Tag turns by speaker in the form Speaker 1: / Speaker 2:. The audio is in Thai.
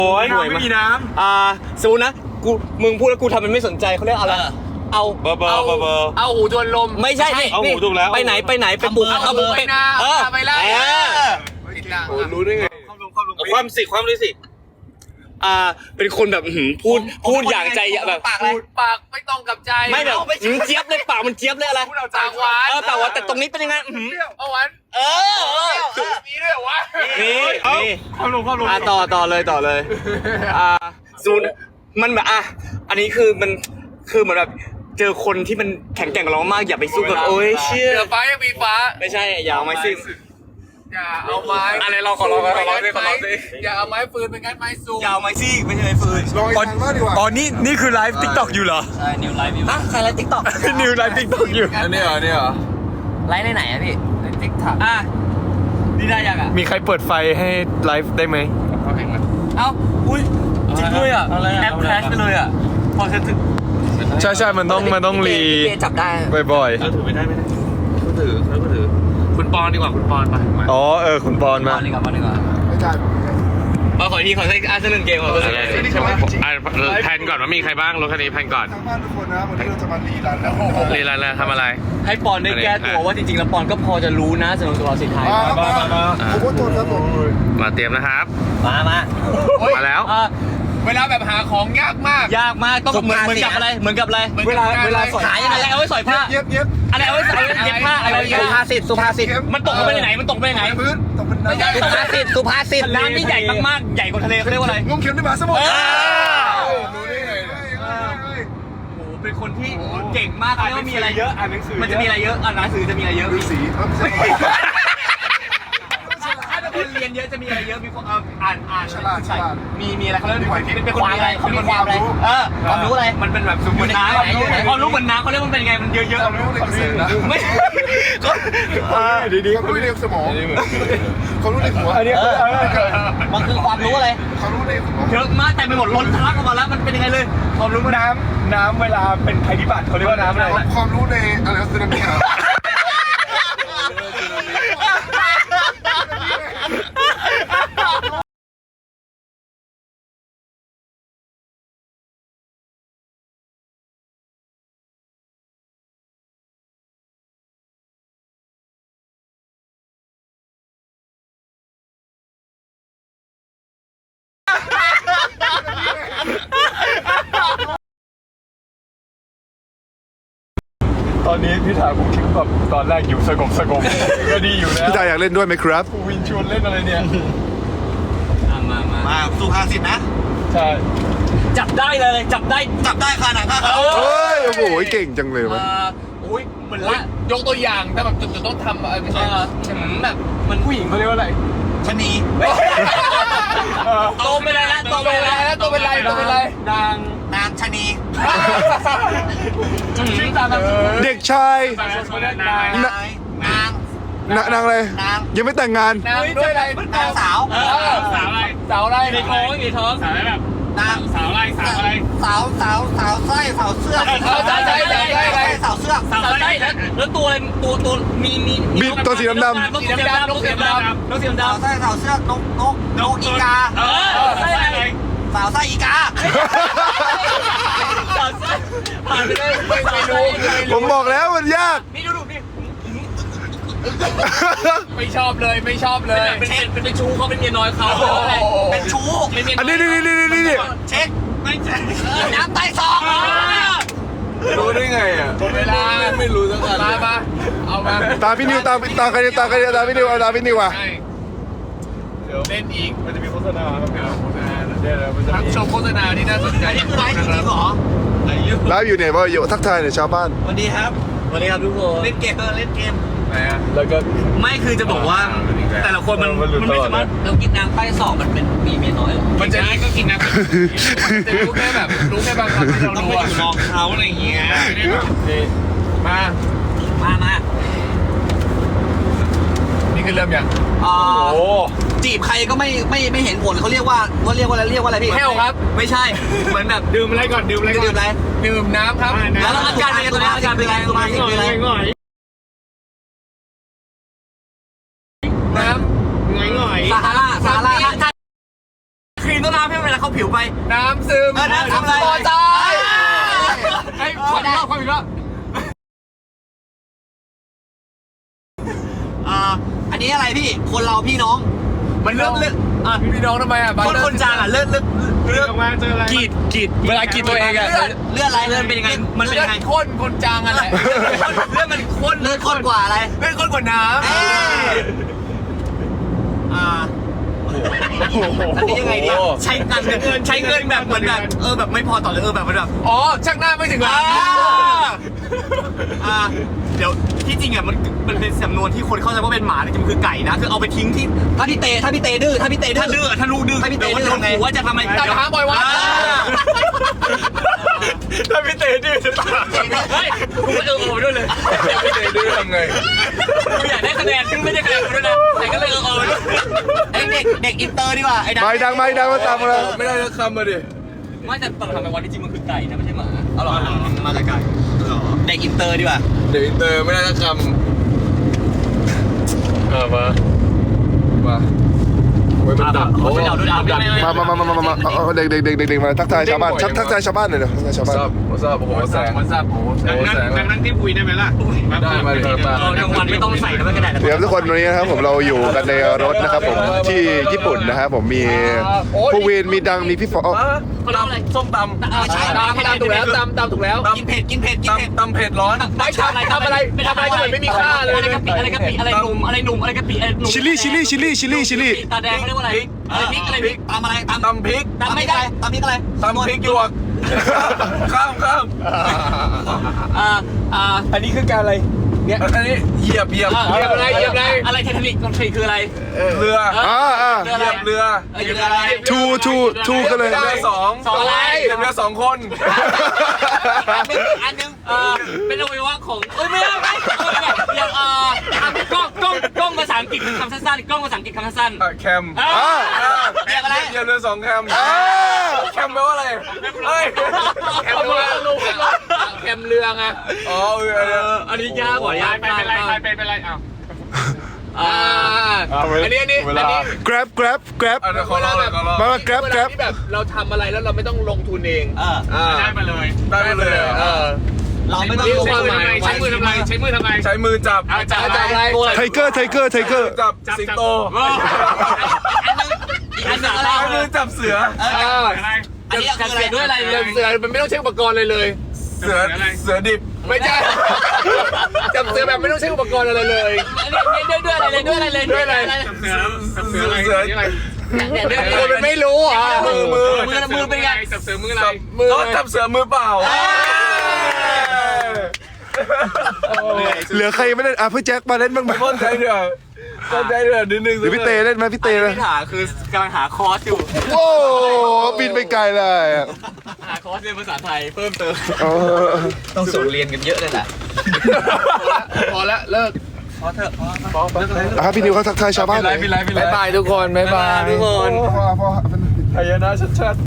Speaker 1: โอ้ย
Speaker 2: ไม่มีน้
Speaker 1: สมมตินะมึงพูดแล้วกูทำมันไม่สนใจเขาเรียกอะไรเอาเบอร์
Speaker 2: เอาหูทวนลม
Speaker 1: ไม่ใช่นี่เอาหูถูกแล้วไปไหนไปบุกเอาบุกไป
Speaker 2: ไปไล่
Speaker 1: โอ้รู้ได้ไงความรู้สิเป็นคนแบบพูดอย่างใจแบบ
Speaker 2: ปากไม่ต้องกับใจ
Speaker 1: ไม่แบบเจี๊ยบเลยปากมันเจี๊ยบเลยอะไร
Speaker 2: ปากหวาน
Speaker 1: ปากหวานแต่ตรงนี้เป็นยังไง
Speaker 2: หวานมีด้วยวะ
Speaker 1: นี่ความรู้ต่อเลยซูนมันแบบอันนี้คือมันคือเหมือนแบบเจอคนที่มันแข็งแกร่งกับเรามากอย่าไปสู้กับโอ้ยเชี่ย
Speaker 2: ฟ้ายังมีฟ้า
Speaker 1: ไม่ใช่อย่าเอาไม้ซิ่ง
Speaker 2: อย่าเอาไม้
Speaker 1: อะไรเราขอร้องสิ
Speaker 2: อย่าเอาไม้ฟืนเป็นงั้นไม้ซู
Speaker 1: อย่าเอาไม้ซิ่งไม่ใช่ไม้ฟืน
Speaker 3: ตอนนี้คือไลฟ์ติ๊กต็อกอยู่เหรอ
Speaker 1: ใช่นิวไลฟ์อยู่ใครไลฟ์ติ๊กต็อก
Speaker 3: นิวไลฟ์ติ๊กต็อกอยู่
Speaker 2: อันนี้เหรอ
Speaker 1: ไลฟ์ในไหนอะพี่ในติ๊กต็อกนี่ได้ยัง
Speaker 3: มีใครเปิดไฟให้ไลฟ์ได้ไหม
Speaker 1: อุ้ยจริงด้วยแอปแคชไปเลยพอฉันถึง
Speaker 3: ใช่มันต้องรี
Speaker 1: จับได้
Speaker 3: บ่อย
Speaker 2: ถือไม่ได้เขาถือคุณปอนดีกว่าคุณปอนมา
Speaker 3: อ๋อคุณปอนมา
Speaker 1: ดีกว่าไม่ใช่ขอทีขอสักหนึ่งเกมใช่ไหม
Speaker 2: แพนก่อนว่ามีใครบ้างรถคันนี้แพนก่อน
Speaker 4: ทางบ้านทุกคนนะวันนี้เราจะมารีรัน
Speaker 2: แล้วทำอะไร
Speaker 1: ให้ปอนได้แก้ตัวว่าจริงๆแล้วปอนก็พอจะรู้นะสำหรับตัวสิทธิ์ไทย
Speaker 4: ผมก็ตัวครับผม
Speaker 2: มาเตรียมนะครับ
Speaker 1: มา
Speaker 2: แล้วเวลาแบบหาของยากมาก
Speaker 1: ต้องเหมือนกับอะไรเวลาขายอะไรเอาไว้สอยผ้า
Speaker 4: เย็บ
Speaker 1: อะไรเอาไว้ใส่เย็บผ้าอะไรสุภาษิตมันตกไปไหน
Speaker 4: พื้นตกเป็น
Speaker 1: ไม่ใช่สุภาษิตน้ำที่ใหญ่มากๆใหญ่กว่าทะเลเขาเรียกว่าอะไร
Speaker 4: งมเข็มในมหาสมุทร
Speaker 1: รู้ได้ไงโอ้เป็นคนที่เก่งมากเลยว่ามีอะไรเยอะอ่านหนังสือมันจะมีอะไรเยอะอ่านหนังสือจะมีอะไรเยอะ
Speaker 4: สี
Speaker 1: คนเรียนเยอะจะมีอะไรเยอะมีคนอ่าน
Speaker 4: ฉลาด
Speaker 1: มีอะไรเขาเรียกเป็นความอะไรเขามีความอะไรความรู้อะไรมันเป็นแบบสมมติน้ำความรู้เหมือนน้ำเขาเรียกมันเป็นไงมันเยอะๆ
Speaker 4: ความรู้ในเกษตรนะ
Speaker 1: ไม่
Speaker 4: ดีความรู้ในสมองความรู้ในหัว
Speaker 1: อันนี้มันคือความรู้อะไร
Speaker 4: ความรู้ในหัว
Speaker 1: เยอะมากแต่ไปหมดล้นทะลักออกมาแล้วมันเป็นยังไงเลย
Speaker 3: ความรู้น้ำเวลาเป็นภัยพิบัติเขาเรียกว่าน้ำอะไร
Speaker 4: ความรู้ในอะไรสึนามิ
Speaker 3: ตอนนี้พี่ถาผมคิดแบบตอนแรกอยู่สงบก็ดีอยู่นะ
Speaker 4: พี่ตาอยากเล่นด้วยไหมครับ
Speaker 3: วินชวนเล่นอะไรเนี่ย
Speaker 1: มาสุภาษิตนะ
Speaker 3: ใช่
Speaker 1: จับได้ขนาดนั้น
Speaker 4: โอ้โหเก่งจังเลยวะ
Speaker 1: เหมือนละ
Speaker 2: ยกตัวอย่างแต่แบบจะต้องทำอะไรไม่ใช่
Speaker 1: แบบมันผู้หญิงเขาเรียกว่าอะไรชนีโตไปแล้วนางชนี
Speaker 4: เด็กชายนางอะไรยังไม่แต่งงาน
Speaker 2: นางด้วยอะไร
Speaker 1: นางสาว
Speaker 2: อะไร
Speaker 1: ในท้องสาวอะไรแบบนางสาวอะไรสาวไส้สาวเสื้อแล้วตัวอะไรตัวมี
Speaker 4: ตัวสีดำ
Speaker 1: นกสีดำสาวเสื้อนกอีกาสาวไส้อีกาผ่านไปเลย
Speaker 4: ผมบอกแล้วมันยาก
Speaker 1: นี่ดูนี่
Speaker 2: ไม่ชอบเลย
Speaker 1: เป็นชู้เขาเป็นเมียน้อยเขาเป็นชู้
Speaker 4: อันนี้
Speaker 1: เช็คน้ำใต้ซอง
Speaker 2: รู้ได้ไงเวลาไม่รู้สักอันมาเอามา
Speaker 4: ตาพี่นิวตาใครตาพี่นิวเอาตาพี่นิวว่ะ
Speaker 2: เล่นอีก
Speaker 3: มันจะมีโฆษณา
Speaker 2: ทั้งชมโฆษณาที่น่าสนใจ
Speaker 1: นี่คือไลฟ์จริงเหรอ
Speaker 4: ไลฟ์อยู่เนี่ยว่าอยู่ทักทายเนี่ยชาวบ้าน
Speaker 1: สวัสดีครับทุกคนเล่นเกม
Speaker 3: แล้วก็
Speaker 1: ไม่คือจะบอกว่าแต่ละคนมันไม่สามารถเรากินน้ำใต้ศอกมันเป็นมีเมียน้อย
Speaker 2: มันจะก็กินน้ำจะรู้แค่บางคำที่เรา
Speaker 1: ต้องไปอยู่นอกเขาอะไรอย่างเงี้ย
Speaker 2: มานี่คือเริ่มยัง
Speaker 1: จีบใครก็ไม่เห็นผลเขาเรียกว่าอะไรพี่
Speaker 2: แค่ครับ
Speaker 1: ไม่ใช่เหมือนแบบ
Speaker 2: ดื่มอะไรก่อนดื่มน้ำครับ
Speaker 1: แล้วอาการเป็นไงอาการเป็นไง
Speaker 2: น้ำง่อย
Speaker 1: ซาฮาราครีมต้นน้น้ำให้เวลาเขาผิวไป
Speaker 2: น้ำซึม
Speaker 1: น้ำทำอะไร
Speaker 2: พอใจ
Speaker 3: ไอ้ขออีกรอบขออีกรอบ
Speaker 1: อันนี้อะไรพี่คนเราพี่น้องมันเลือก
Speaker 2: พี่น้องทำไมอ่ะ
Speaker 1: คนจางอ่ะเลือก
Speaker 3: ออกมาเจออะไรกีดเวลากีดตัวเองอะ
Speaker 1: เลือดอะไรเลือดเป็นยังไงมันเป็นยังไง
Speaker 2: ข้นคนจางอะไร
Speaker 1: เลือดมันข้นเลือดข้นกว่าอะไร
Speaker 2: เลือดข้นกว่าน้ำ
Speaker 1: อันนี้ยังไงเนี่ยใช้เงินแบบเหมือนแบบแบบไม่พอต่อเลยแบบมันแบบ
Speaker 2: อ๋อช่างหน้าไม่ถึงล้าน
Speaker 1: เดี๋ยวที่จริงอ่ะมันเป็นสำนวนที่คนเข้าใจว่าเป็นหมาแต่จริงๆคือไก่นะคือเอาไปทิ้งที่ถ้าพี่เตดื้อถ้าลูกดื้อถ้าพี่เตดื้อทำไงว่าจะทำไม
Speaker 2: ตัดหางปล่อยวัด
Speaker 3: ถ้าพี่เตดื้อจะตาย
Speaker 1: เฮ้ยกูไปโอ้ด้วยเลย
Speaker 2: พี่เตยดื้อทำไง
Speaker 1: กูอยากได้คะแนนซึ่งไม่ได้คะแนนกูด้วยนะแต่ก็เลยด้วยไอ้เด็กอินเตอร์ดีกว่าไอ้
Speaker 4: ไม่ดังมาตามมาเลย
Speaker 2: ไม่ได้สักคำมาดิ
Speaker 1: ไม่แต่ตอนทำไปวันที่จริงมันคือไก่นะไม่ใช่หมาเอาหรอมาจากไก่เด็กอินเตอร์ดีกว่า
Speaker 2: เดี๋ยวอินเตอร์ไม่ได้สักคำ
Speaker 3: มา
Speaker 2: ไว้มันดับ
Speaker 1: เขาไปเดาด้วยดับ
Speaker 4: มาเด็กมาทักทายชาวบ้านทักทายชาวบ้านหน่อยเดี๋ยวทักทายชาวบ้าน
Speaker 2: ทราบโอ้โหแสง
Speaker 3: นั่งที่คุยได้ไหมล่ะ
Speaker 2: ได้มาเลยครับ
Speaker 1: กลางวันไม่ต้องใส่แล้วไม่กระดาษ
Speaker 4: เดี๋ยวทุกคนวันนี้นะครับผมเราอยู่กันในรถนะครับผมที่ญี่ปุ่นนะครับผมมีผู้วินมีดังมีพี่ฟอ
Speaker 1: เขาเรียกอะไรส้มตำใช่
Speaker 2: ตำถูกแล้วตำถูกแล้ว
Speaker 1: กินเผ็ด
Speaker 2: ตำเผ็ดร้อน
Speaker 1: ไม่ทำอะไรก็เหมือนไม่มีค่าเลยอะไรกะปิอะไรหนุ่มอะไรกะปิอะไรหนุ่ม
Speaker 4: ชิลลี่
Speaker 1: ตาแดงเขาเรียกว่าอะไรพริกตำอะไรตำ
Speaker 2: พริก
Speaker 1: ตำไม่ได้ตำพริกอะไร
Speaker 2: ตำพริกหยวกข้าม
Speaker 3: อันนี้คือการอะไร
Speaker 2: เนี่ยอันนี้เหยียบ
Speaker 1: อะไรเทคนิคของทีคืออะไร
Speaker 2: เรือ
Speaker 1: เหยียบเรืออะไร
Speaker 4: ทูกันเลย
Speaker 2: เรือสองเหยียบเรือ2 คน
Speaker 1: อันนึงเป็นอวัยวะของไม่อย่างกล้องภาษาอังกฤษคำสั้นๆกล้องภาษาอังกฤษคำสั้น
Speaker 2: แคม
Speaker 1: เหยียบอะไร
Speaker 2: เหยียบเรือ2 แคมแคมแปลว่าอะไรเฮ้ยแคมเรือแคมเรือไงอ๋อ
Speaker 1: อันนี้ยากกว่ายาก
Speaker 3: เป็นไรอ้าว
Speaker 2: อันนี้
Speaker 4: grab
Speaker 2: ขอเล่าเลย
Speaker 4: มา grab
Speaker 2: ที่แบบเราทำอะไรแล้วเราไม่ต้องลงทุนเอง
Speaker 3: ได้มาเลย
Speaker 1: เราไม่ต้อง
Speaker 3: ใช้มือทำไม
Speaker 2: ใช้มือจับ
Speaker 3: จับอะไร
Speaker 4: ไทเกอร์
Speaker 2: จับสิงโต
Speaker 1: อันนึงอะไร
Speaker 2: ใช้มือจับเสือ
Speaker 1: อันนี้คืออะไรด้วยอะไร
Speaker 2: เสือมันไม่ต้องใช้อุปกรณ์เลย เสือดิบไม่ใช่จับเสือแบบไม่ต้องใช้อุปกรณ์อะไรเลย
Speaker 1: ด้วยอะไร
Speaker 2: เสือมันไม่รู้อ่ะมือ
Speaker 1: เป็นไง
Speaker 3: จับเสือมืออะไร
Speaker 2: ก็จับเสือมือเปล่า
Speaker 4: เหลือใครไม่เล่นพี่แจ็คมาเล่นบ้างไหม
Speaker 2: เข้าใจเถอะนิดนึง
Speaker 4: หรือพี่เตเล่นไหมพี่เตเลย
Speaker 1: ที่หาคือกำลังหาคอร์สอยู่
Speaker 4: โอ้บินไปไกลเลย
Speaker 1: หาคอร์สเรียนภาษาไทยเพิ่มเติม
Speaker 2: ต้องส่งเรียนกันเยอะเลยแหละพอละเลิกพอเถอะ
Speaker 4: พี่นิวเขาทักทายชาวบ้าน
Speaker 2: บ๊ายบายทุกคนบ๊ายบาย
Speaker 1: ทุกคน
Speaker 4: พ่อ
Speaker 2: พยานะชัด